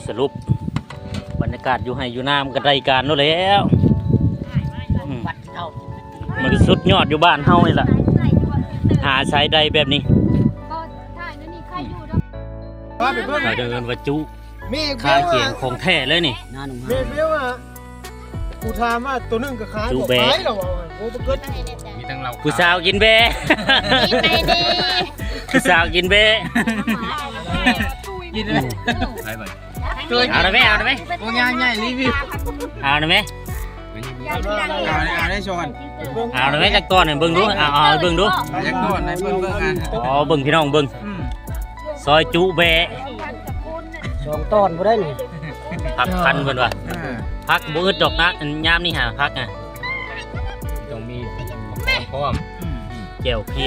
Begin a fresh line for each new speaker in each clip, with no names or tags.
สรุปบรรยากาศอยู่ให้อยู่น้ำกันรายการนู้นแล้วมันก็สุดยอดอยู่บ้านเฮานี่แหละหาใช้ได้แบบนี้ไปเดินวัจุคาเคียงของแท้เลยนี่
เมเบี้ยวอ่ะกูถามว่าตัวนึงกับขายบอกไปหรอโอ้เกิด
มีทั้งเรา
ผู้สาวกินเบ้ผู้สาวกินเบ้
กินเลย
เอาได้ไหมเอาได้ไหม
โอ้ยใหญ่รีวิว
เอาได้ไหม
เอาได้ชน
เอาได้ไหมจักตัวหนึ่งเบิ้งดูเอาเบิ้งดู
จักตัวไหนเบิ้งอ่ะ
อ๋อเบิ้งพี่น้องเบิ้งซอยจุเบ้
2 ตอนบ่ได้นี่
พักพันเพิ่นว่าพักบ่อึดดอกนะยามนี่หาพักอ่ะ
ต้องมีพร้อม
แก้วเพี้ย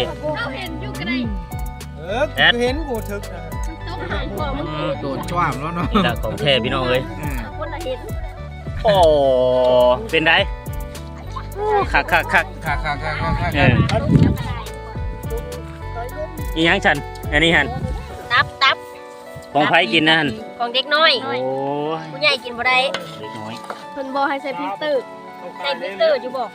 เห็นกูถึก
โดนจ้วมแล้วเนาะ
นี่แหละของแท้พี่น้องเอ้ยโอ้เป็นไดคักอีหยังฉันอันนี้หัน
ตับ
ของไผกินนะหัน
ของเด็กน้อย
โอ้
ผู้ใหญ่กินบ่ได้
เด็กน้อย
เพิ่นบ่ให้ใส่พริกเตอร์อยู่บ่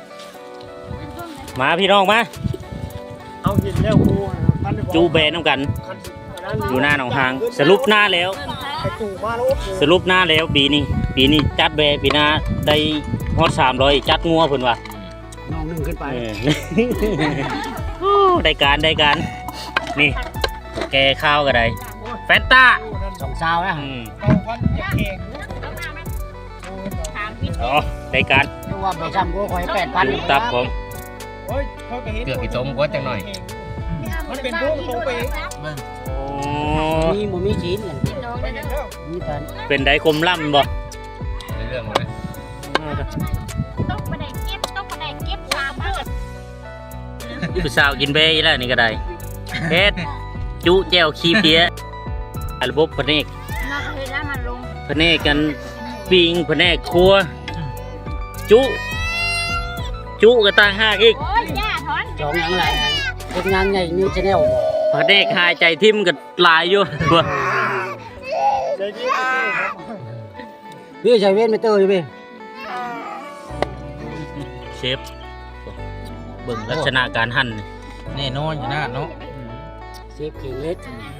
มาพี่น้องมา
เอาหินแล้วกู
จูเบนน้ำกันอยู่หน้าหนองหางสรุปหน้าแล้วสรุปหน้าแล้วปีนี้จัดเบปีหน้าได้ฮอด300จัดงัวเพิ่นว่า
น้องนึงขึ้นไป
ได้การนี่แกข้าวก็ได้แฟนต้า
2 ซาวนะ
อ๋อได้การ
ว่าไปซ้ำกูขอให้ 8,000
ตับผม
เกือบกี่ต้มก็จังหน่อย
มันเป็นพวกโตไปมีบ่มีจีนมีกัน
เป็นได้คมล่ำบ่
ในเรื่องเลย
ต้องไปได้เก็บ3มื้อ
ผู้สาวกินเบ้แล้วนี่ก็ได้เฮ็ดจุแจ่วขี้เพี้ยระบบพะเนกพะเนกกันปิ้งพะเนกครัวจุก็ต่างหากอีก
จองอย่างไรเป็นงานใหญ่นิวชาแนล
พะเนกหายใจทิ่มก็หลายอยู่บ่
พี่ใช้เว้นไม่เตยพี่
เชฟเบิ่งลักษณะการหั่น
แน่นอนอยู่นะเนาะ
เชฟเข่งเล็ก